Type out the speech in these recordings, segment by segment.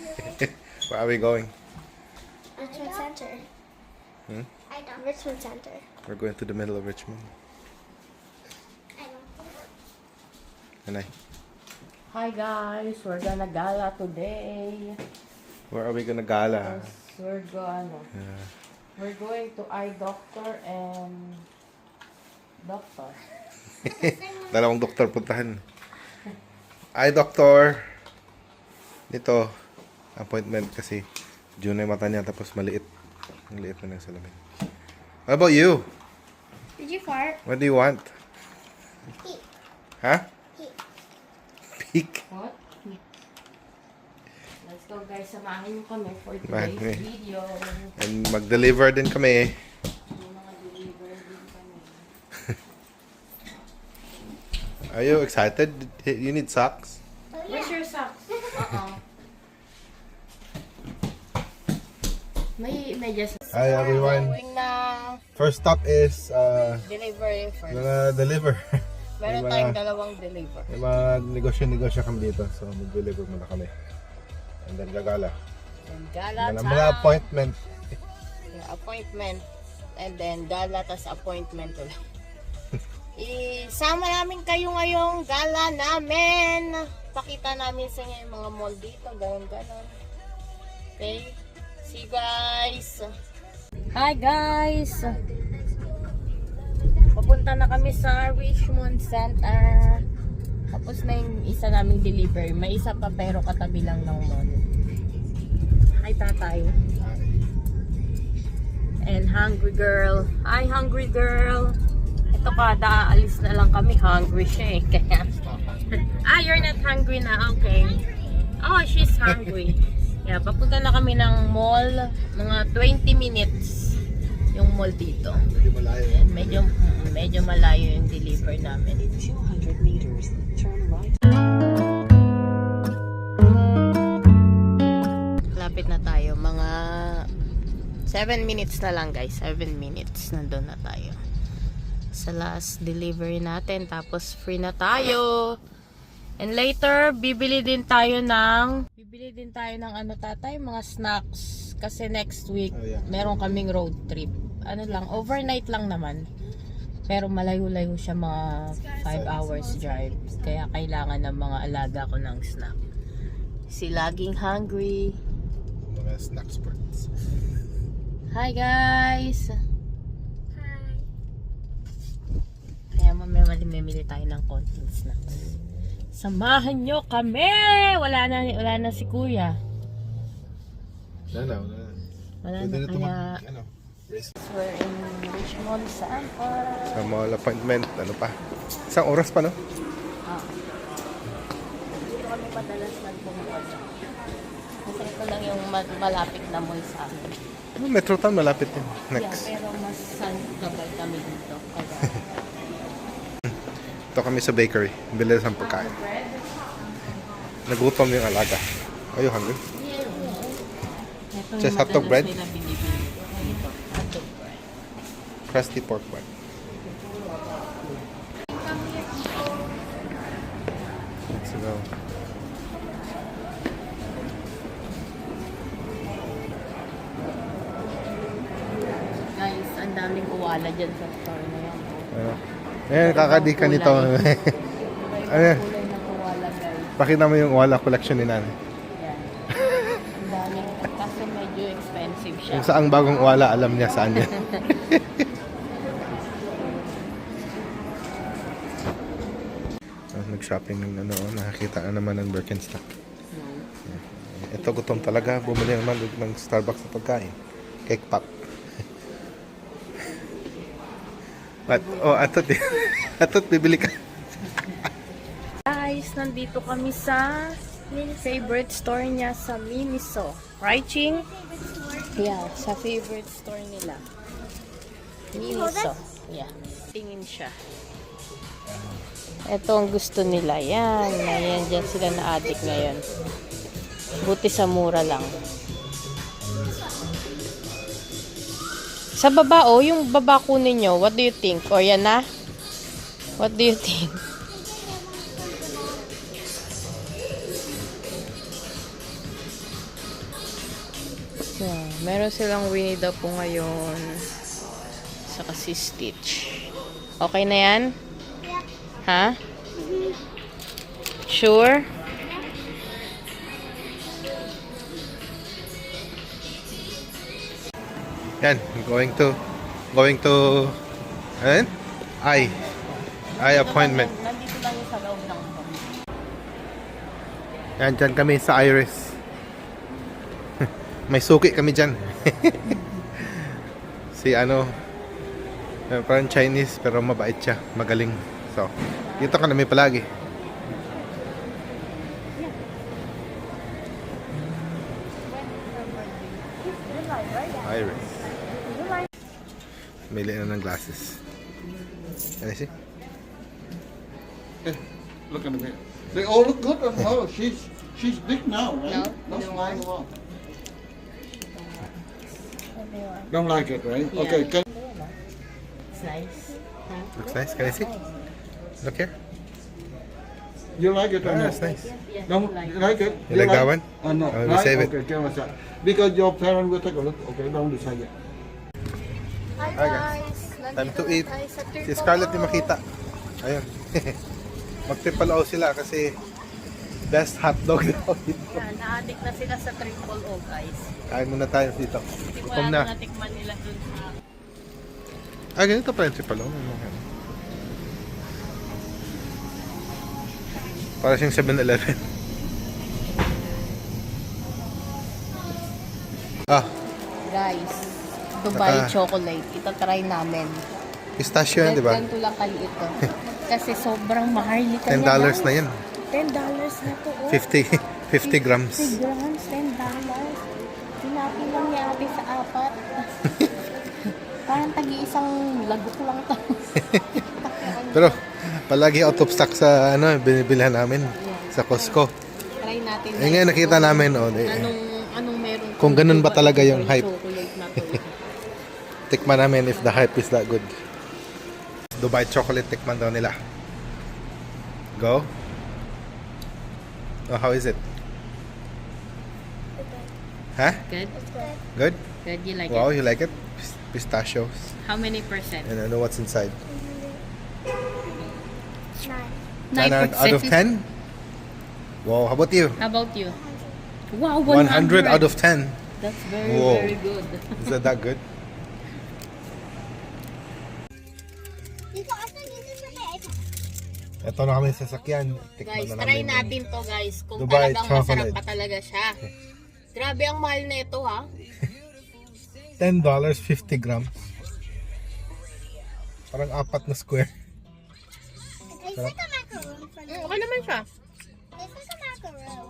Where are we going? Richmond Center. Hmm? I don't. Richmond Center. We're going to the middle of Richmond. I don't. And Hi guys, we're gonna gala today. where are we gonna gala? Yes, we're going to eye doctor and doctor. Dalawang doktor puntahan. Ay, doktor. Dito. Appointment kasi June na yung mata niya tapos maliit. Ang liit na ng salamin. What about you? Did you fart? What do you want? Peek. Huh? Peek. Peek? What? Let's go guys, samahan niyo kami for Samahan today's kami. video. And mag-deliver din kami. May mga deliver din kami. Are you excited? You need socks? Oh, yeah. Where's your socks? May medyas. Hi everyone. Going na First stop is delivery first. gonna deliver. Meron May tayong mga- dalawang deliver. May mga negosyo kami dito. So mag-deliver muna kami. And then gagala. And gala And time. mga appointment. Yeah, appointment. And then gala tas appointment ulit. Isama namin kayo ngayong gala namin. Pakita namin sa inyo yung mga mall dito. Ganon. Okay? See you guys. Hi guys. Papunta na kami sa Richmond Center. Tapos na yung isa naming delivery. May isa pa pero katabi lang ng mall. Hi tatay. And hungry girl. Hi hungry girl. Ito kada aalis na lang kami. Hungry siya eh. Kaya, you're not hungry na. Okay. Oh, she's hungry. Yeah, papunta na kami ng mall. Mga 20 minutes yung mall dito. Medyo malayo. And medyo malayo yung deliver namin. 200 meters, turn right. Lapit na tayo. Mga 7 minutes na lang guys. 7 minutes. Nandun na tayo. Sa last delivery natin. Tapos free na tayo. And later, bibili din tayo ng ano tatay? Mga snacks. Kasi next week, Oh, yeah. meron kaming road trip. Ano lang, overnight lang naman. Pero malayo-layo siya, mga 5 hours drive. Kaya kailangan ng mga alaga ko ng snack. Si laging hungry. Mga snack sports. Hi guys! Hi. Kaya mamimili tayo ng konting snacks. Samahan nyo kami! Wala na si kuya. Wala na. Wala Pwede na na kaya... race. We're in Richmond Center. Sa mall appointment. Ano pa? Isang oras pa, no? Dito kami madalas nagpumunta. Kasi ito lang yung malapit na mall sa amin. Metro Town malapit din. Next. Yeah, pero mas sabay kami dito. Kaya... Ito kami sa bakery. Bilis ang pagkain. bread? Nagutom yung alaga. Are you hungry? Ito Just yung hotdog madalas bread? nila binibili. Ito, hotdog bread. Crusty pork bun. Let's go. Guys, ang daming uwala dyan sa store na yan. Ayan, kakadika nito. Ayan. Kulay ng uwala guys. Pakita mo yung wala collection ni Nanay. Yan. Ang daming, kasi medyo expensive siya. Kung saang bagong wala, alam niya saan yan. Nag-shopping ng nakakita na naman ng Birkenstock. Ito gutom talaga, bumili naman ng Starbucks na pagkain. Cake pop. Atot bibili ka. Guys, nandito kami sa favorite store niya sa Miniso. Right, Ching? Yeah, sa favorite store nila. Miniso. Yeah. Tingin siya. Ito ang gusto nila. Yan. Ayan, dyan sila na-addict ngayon. Buti sa mura lang. Sa baba, oh, yung baba kunin nyo, what do you think? O, yan na? What do you think? So, meron silang Winnie the Pooh ngayon. Saka si Stitch. Okay na yan? Ha? Sure? Yan, going to ano? Eye appointment. Nandito lang yung sa loob ng Yan, dyan kami sa Iris. May suki kami dyan. Si parang Chinese pero mabait siya, magaling. So, dito ka namin palagi. Iris. Mili na ng glasses. Can I see? Look at me. They all look good on her. She's big now, right? No, Not no. flying along. Don't like it, right? Okay. Can, It's nice. Looks nice. Can I see? Look here. you like it or Ah, not? that's nice. Don't you like it? You like that one? No. Oh, we Right? save it. Okay, give us that. Because your parent will take a look. Okay, don't decide yet. Hi Hi, guys. Time to eat. Si Scarlett di makita. Ayun. Magtripalaw sila kasi best hotdog daw dito. Yan, na-addict na sila sa triple O, guys. Kain muna tayo dito. Hindi ko Gutom na na. natikman nila dun sa... Ganito pa yung tripalaw. Para siyang 7-Eleven. Guys, Dubai Naka- chocolate. Ito try namin. Pistachio yan, di ba? Ganito lang kaliit to. Kasi sobrang mahal nito. $10 na yan. $10 na to. Oh. 50 grams. 50 grams, $10. Sinabi lang ni ate sa apat. Parang tagi-isang lagok lang to. Pero palagi out of stock sa binibilhan namin sa Costco. Try natin. Eh ngayon nakita namin Anong meron? Kung ganun ba talaga yung hype. Chocolate na to. Tikman namin if the hype is that good. Dubai chocolate tikman daw nila. Go. Oh, how is it? Huh? Good? Good? Good, you like Wow, it? you like it? Pistachios. How many percent? And I know what's inside. 9. 9 out of 10? Wow, how about you? How about you? Wow, 100 out of 10. That's very, Whoa. very good. Is that good? Dito, asa dito sa may Ito na kami sa sasakyan. Tikman Guys, na try namin. natin to guys. Kung Dubai talagang chocolate. masarap pa talaga siya. Grabe ang mahal na ito ha. $10, 50 grams. Parang 4 na square. It's like a macaroon for me. Okay naman siya. It's like a macaroon.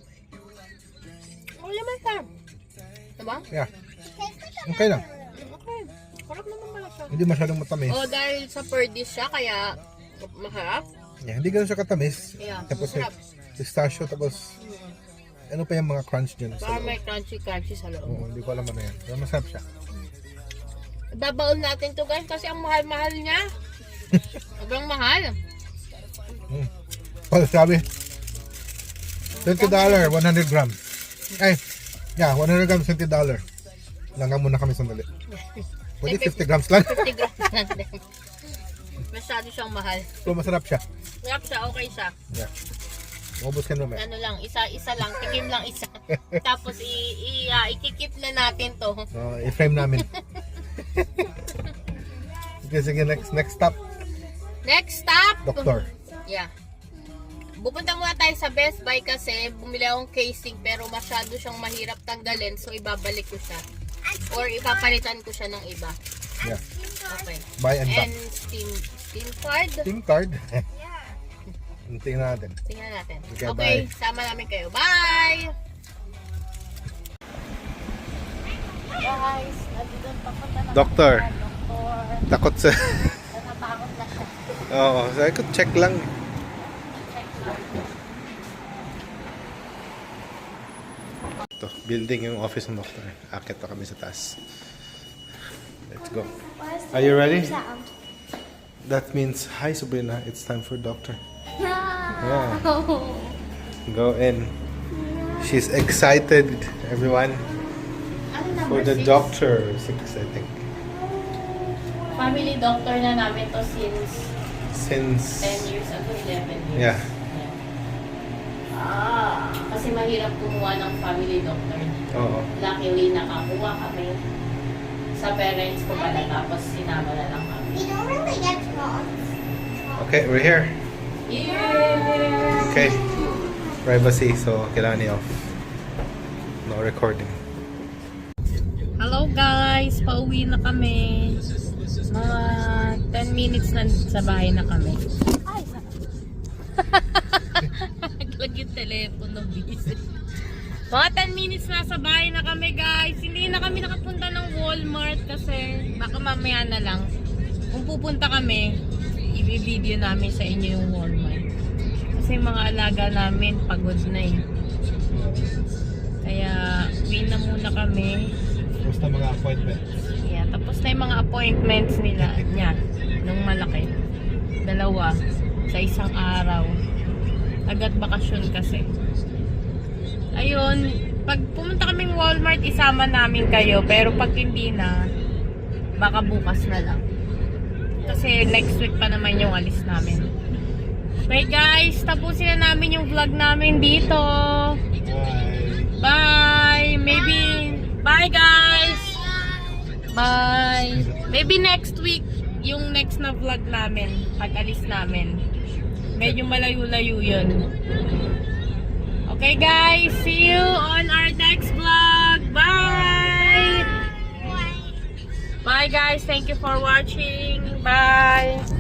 Okay naman siya. Diba? Yeah, Tastes like a okay lang. Okay. Sarap naman pala siya. Hindi masyadong matamis. Oh, dahil sa per dish siya, kaya masarap. Yeah, hindi ganun siya katamis. Yeah, Tapos may masarap. pistachio, tapos ano pa yung mga crunch dyan sa Baka loob. may crunchy sa loob. Oo, hindi ko alam ano yan. Pero masarap siya. Babaon natin to guys kasi ang mahal-mahal niya. Sobrang mahal. Oh, sabi. $20, 100 grams. Ay, yeah, 100 grams, $20. Langga muna kami sandali. Pwede 50 grams lang. 50 grams lang din. Masyado siyang mahal. Pero masarap siya. Sarap siya, okay siya. Yeah. Maubos ka naman. Ano lang, isa lang, tikim lang isa. Tapos ikikip na natin to. I-frame namin. Okay, sige, next stop. Next stop! Doktor. Yeah. Pupunta muna tayo sa Best Buy kasi bumili akong casing pero masyado siyang mahirap tanggalin so ibabalik ko siya. Or ipapalitan ko siya ng iba. Yeah. Okay. Buy and back. And steam card. Team card. Tingnan natin. Tingnan natin. Okay, Okay, bye. sama namin kayo. Bye! Guys, nandito papunta na Doktor. kami sa doktor. Takot sa... Natatakot na siya. Oo, sabi ko check lang. Ito, building yung office ng doktor. Akit na kami sa taas. Let's go. Are you ready? That means, hi Sabrina, it's time for doctor. Yeah. Go in. She's excited, everyone. For the doctor, 6 I think. Family doctor na namin to since Since 10 years ago, 11 years. Yeah. Kasi mahirap kumuha ng family doctor dito. Oo. Luckily, nakakuha kami sa parents ko pala, tapos sinama na lang kami. We don't really get frogs. Okay, we're here. Yeah! Okay. Privacy, so kailangan i-off. No recording. Hello guys! Pauwi na kami. Mga 10 minutes na sa bahay na kami. Ay! Naglag yung telepono, busy. Mga 10 minutes na sa bahay na kami guys. Hindi na kami nakapunta ng Walmart kasi baka mamaya na lang. Kung pupunta kami, i-video namin sa inyo yung Walmart. Kasi mga alaga namin pagod na eh. Kaya uwi na muna kami. Basta mga appointments. Yeah, tapos na yung mga appointments nila niya nung malaki. 2 sa isang araw. Agad bakasyon kasi. Ayun, pag pumunta kaming Walmart, isama namin kayo. Pero pag hindi na, baka bukas na lang. Kasi next week pa naman yung alis namin. Okay guys, tapusin na namin yung vlog namin dito. Bye! Bye guys! Bye! Maybe next week, yung next na vlog namin, pag alis namin. Medyo malayo-layo yun. Okay guys, see you on our next vlog. Bye! Bye guys, thank you for watching. Bye!